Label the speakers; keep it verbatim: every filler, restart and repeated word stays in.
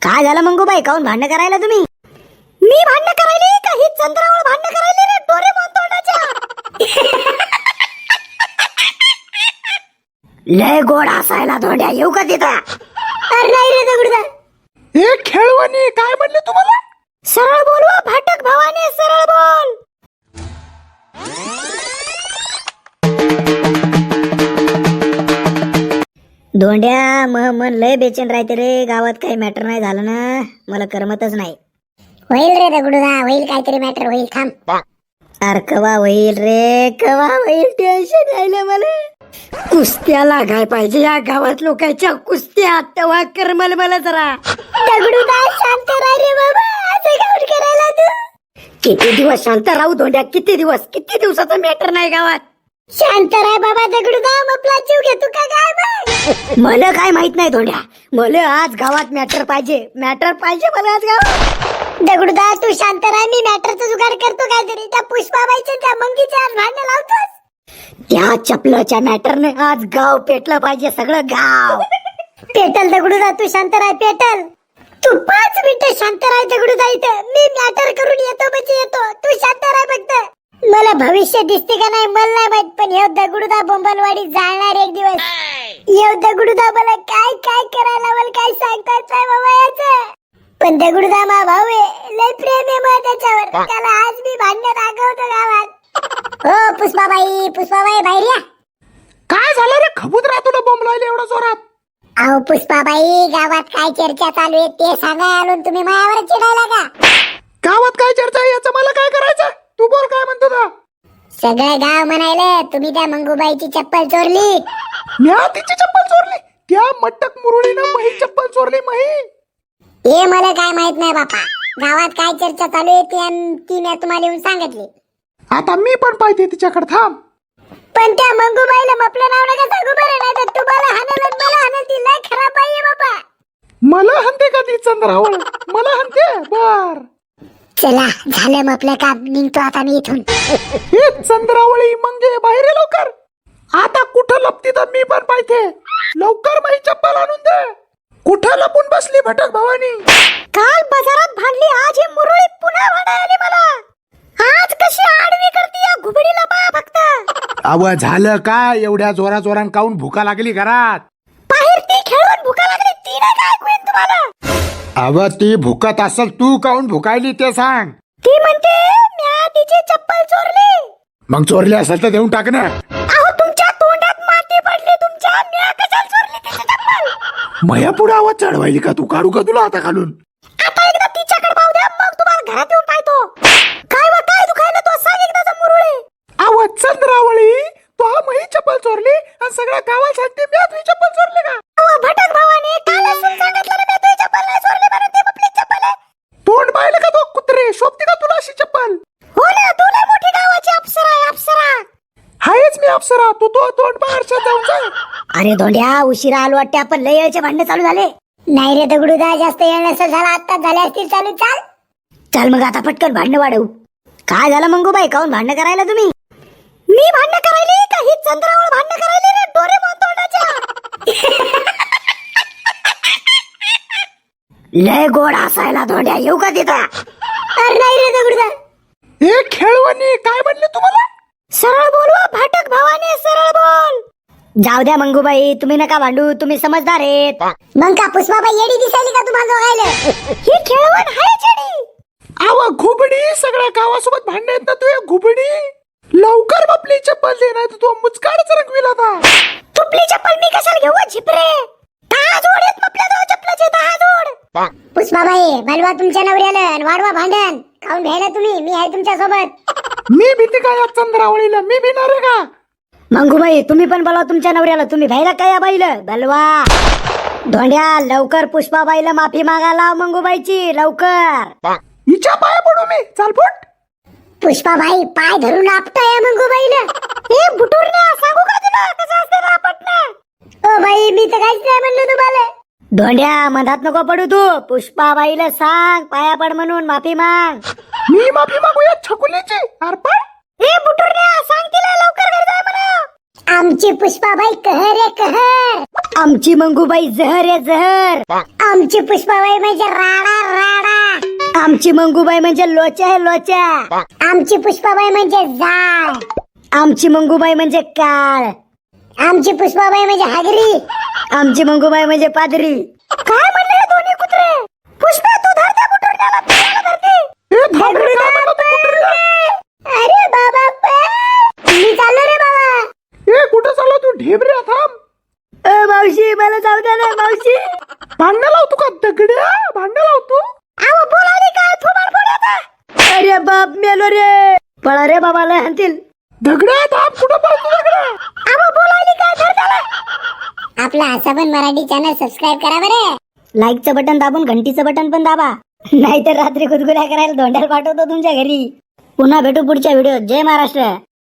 Speaker 1: काय झालं मंगूबाई, काऊन भांडण करायला तुम्ही? मी भांडण करायली का ही चंद्रावर भांडण करायली रे डोरेमॉन तोंडाच्या? लय गोड हसायला धोंड्या, येऊ का तिथं? अरे नाही रे दगडूदा.
Speaker 2: हे खेळवानी काय म्हणले तुम्हाला?
Speaker 1: सरळ बोलवा भाटक भावाने, सरळ बोल. धोंड्या मह मन लय बेचैन राहते रे. गावात काही मॅटर नाही झालं ना, मला करमतच नाही.
Speaker 3: होईल रे दगडूदा, होईल काहीतरी मॅटर होईल, थांब.
Speaker 1: अरे कवा होईल रे, कवा होईल? टेन्शन यायला मला. कुस्त्या लागाय पाहिजे या गावात लोकांच्या, कुस्त्या. तेव्हा करमल मला जरा.
Speaker 3: दगडूदा शांत राह रे बाबा, असं काऊन करायला तू?
Speaker 1: किती दिवस शांत राहू धोंड्या, किती दिवस? किती दिवसाचं मॅटर नाही गावात.
Speaker 3: शांत राह बाबा दगडूदा, आपला जीव घेतो का काय बघ?
Speaker 1: मला काय माहित नाही धोंड्या, मला आज गावात मॅटर पाहिजे. मॅटर पाहिजे मला आज गावात.
Speaker 3: दगडूदा तू शांत राह, मी मॅटरचा जुगाड करतो काहीतरी. त्या पुष्पाबाईच्या त्या मंगीच्या आज भांडण लावतोस.
Speaker 1: त्या चपलाच्या मॅटरने आज गाव पेटलं पाहिजे, सगळं गाव.
Speaker 3: पेटल दगडूदा, तू शांत राह, पेटल. तू पाच मिनिटं शांत राह दगडूदा, इथं मी मॅटर करून येतो म्हणजे येतो. तू शांत राह फक्त. मला भविष्य दिसते का नाही मला नाही माहित, पण येऊ दगडूदा बोंबलवाडी जाणार एक दिवस. येऊ दगडूदा, मला काय काय करायला मला काय सांगताच नाही बाबा याचं. पण दगडूदा मा भाऊ आहे, लय प्रेम आहे मला त्याच्यावर. त्याला आज मी भांडण दाखवतो गावात. हो पुष्पाबाई, पुष्पाबाई बाहेर या.
Speaker 2: काय झालं रे खबुतरा, तुला बॉम्ब लावले एवढा जोरात?
Speaker 3: अहो पुष्पाबाई, गावात काय चर्चा चालू आहे ते सांगाय आलो, तुम्ही मायावर चिडायला का?
Speaker 2: गावात काय चर्चा आहे याचं मला काय करायचं? तू बोल, काय म्हणतो ना?
Speaker 3: सगळं गाव म्हणायलं तुम्ही त्या मंगूबाईची चप्पल चोरली.
Speaker 2: म्या तिची चप्पल चोरली? त्या मटक मुरळीनं मही चप्पल चोरली. मही
Speaker 3: हे मला काय माहित नाही बापा. गावात काय चर्चा चालू आहे ती ती मी तुम्हाला येऊन सांगितली.
Speaker 2: आता मी पण पाहिजे तिच्याकडे, थांब.
Speaker 3: पण त्या मंगूबाईला आपलं नाव नका सांगू बरं, नाही तर तुम्हाला हाणल आणि मला हाणल. ती लय खराब आहे बापा.
Speaker 2: मला हनते का ती चंद्रावळ? मला हनते? बर
Speaker 3: चला झालं मग आपलं काम, निघतो आता मी इथून.
Speaker 2: हे चंद्रावळी मंगे बाहेर ये लवकर. आता कुठं लपती तर मी पण पाहिजे. लवकर माझी चप्पल आणून दे. कुठं लपून बसली भटक भवानी?
Speaker 1: काल बाजारात भांडली, आज ही मुरळी पुन्हा भांडायली मला. आज कशी आडवी करते या घुबडीला पहा फक्त.
Speaker 2: अव झालं काय? एवढ्या जोरा जोरान काऊन भुका लागली घरात?
Speaker 1: बाहेर ती खेळून भुका लागली, ती नाही काय ऐकू येत तुम्हाला?
Speaker 2: अव ती भुकत असल, तू काऊन भुकायली ते सांग.
Speaker 1: ती म्हणते म्या तिची चप्पल चोरली.
Speaker 2: मग चोरली असेल तर देऊन टाक ना.
Speaker 1: अहो तुमच्या तोंडात माती पडली तुमच्या, म्या कशाला चोरली तिची चप्पल?
Speaker 2: मया पुढे आवाज चढवायली का तू? काढू का तुला आता खालून?
Speaker 1: आता एकदा तिच्याकडे पाहू द्या, मग तुम्हाला घरात येऊन पाहतो. काय व काय दुखायला तो सांग एकदा मुरळी.
Speaker 2: आवाज चंद्रावळी, तू हा मही चप्पल चोरली आणि सगळ्या गावात सांगते मी तुझी चप्पल चोरली का?
Speaker 1: अहो भटक भावाने काल असून सांगितलं ना, मी तुझी चप्पल नाही चोरली म्हणून. ते आपली चप्पल आहे.
Speaker 2: तोंड पाहिलं का तो कुत्रे? शोभते का तुला अशी चप्पल?
Speaker 1: हो ना, तू लय मोठी गावाची अप्सरा आहे, अप्सरा.
Speaker 2: हायच मी अप्सरा, तू तो तोंड बाहेरच्या जाऊन जा.
Speaker 1: अरे धोंड्या, उशिरा आलो वाटते आपण. लय वेळचे भांडण चालू झाले.
Speaker 3: नाही रे दगडूदा, जास्त येळ नसेल झाला, आता झाले असतील चालू. चाल
Speaker 1: चल मग आता पटकन भांडण वाढवू. काय झालं मंगूबाई, काऊन भांडण करायला तुम्ही? मी भांडण करायली का ही चंद्रावर भांडण करायली रे डोरेमॉन तोंडाच्या? लय गोड हसायला धोंड्या, येऊ का तिथं?
Speaker 3: अरे नाही रे दगडूदा.
Speaker 2: हे खेळवानी काय म्हणले तुम्हाला?
Speaker 1: सरळ बोलवा भाटक भावाने, सरळ बोल. जाऊ द्या मंगूबाई, तुम्ही नका भांडू, तुम्ही समजदार आहेत.
Speaker 3: मग का पुष्पाबाई येडी दिसायली का तुम्हाला दोघायला?
Speaker 1: ही खेळवण आहे चेडी.
Speaker 2: आवा घुबडी, सगळ्या गावासोबत भांडण येत ना तू? एक घुबडी, लवकर आपली चप्पल दे, नाही तू मुचकाडच रंगविला होता.
Speaker 1: तुपली चप्पल मी कशाला घेऊ झिपरे? दहा जोड आहेत आपल्या जवळ चप्पलाचे, दहा जोड.
Speaker 3: पुष्पाबाई बलवा तुमच्या नवऱ्याला आणि वाढवा भांडण. खाऊन घ्यायला तुम्ही, मी आहे तुमच्या सोबत.
Speaker 2: मी भीती काय या चंद्रावळीला? मी भिणार आहे का?
Speaker 1: मंगूबाई तुम्ही पण बोला तुमच्या नवऱ्याला. तुम्ही भ्यायला काय या बाईला? बलवा धोंड्या, लवकर पुष्पाबाईला माफी मागायला मंगूबाईची, लवकर.
Speaker 2: हिच्या पाया पडू मी? चालपट.
Speaker 3: पुष्पाबाई पाय धरून आपटाय मंगूबाईला.
Speaker 1: हे बुटुरण्या, सांगू का तुला कसं असतं ना आपटणं?
Speaker 3: ओ बाई, मी तर काहीच नाही म्हणलो तुम्हाला.
Speaker 1: धोंड्या, मधात नको पडू तू. पुष्पाबाईला सांग पाया पड म्हणून, माफी माग.
Speaker 2: मी माफी मागू या छकुलीची? अर्पण.
Speaker 1: हे बुटुरण्या, सांग तिला लवकर घरी जाय म्हणा.
Speaker 3: आमची पुष्पाबाई कहर आहे कहर.
Speaker 1: आमची मंगूबाई जहर आहे जहर.
Speaker 3: आमची पुष्पाबाई म्हणजे राडा राडा.
Speaker 1: आमची मंगूबाई म्हणजे लोचा आहे लोचा.
Speaker 3: आमची पुष्पाबाई म्हणजे जाळ.
Speaker 1: आमची मंगूबाई म्हणजे काळ.
Speaker 3: आमची पुष्पाबाई म्हणजे हागरी.
Speaker 1: आमची मंगूबाई म्हणजे पादरी. काय म्हणले हे दोन्ही कुत्रे? पुष्पा तू धरते कुठून त्याला पियाला धरते.
Speaker 2: ए, धाबडे काय म्हणत होता कुत्र्याला?
Speaker 3: अरे बाबा पण. मी चाललो रे बाबा.
Speaker 2: ए कुठं चालला तू ढेबऱ्या थांब.
Speaker 1: ए मावशी मला जाऊ द्या ना मावशी.
Speaker 2: भांडण लावतो का दगड्या भांडण लावतो.
Speaker 1: अहो बोलावली काय थोबाड फोडायचा. अरे बाप मेलो रे. पळा रे बाबा लय हाणतील.
Speaker 2: दगड्या थांब कुठं पळतो दगड्या.
Speaker 1: अहो बोलावली काय धर त्याला.
Speaker 3: आपला आसाबन मराठी चॅनल सबस्क्राईब करा बरे.
Speaker 1: लाईकचं बटन दाबून घंटीचं बटन पण दाबा. नाहीतर रात्री गुदगुल्या करायला धोंड्याला पाठवतो तुमच्या घरी. पुन्हा भेटू पुढच्या व्हिडिओत. जय महाराष्ट्र.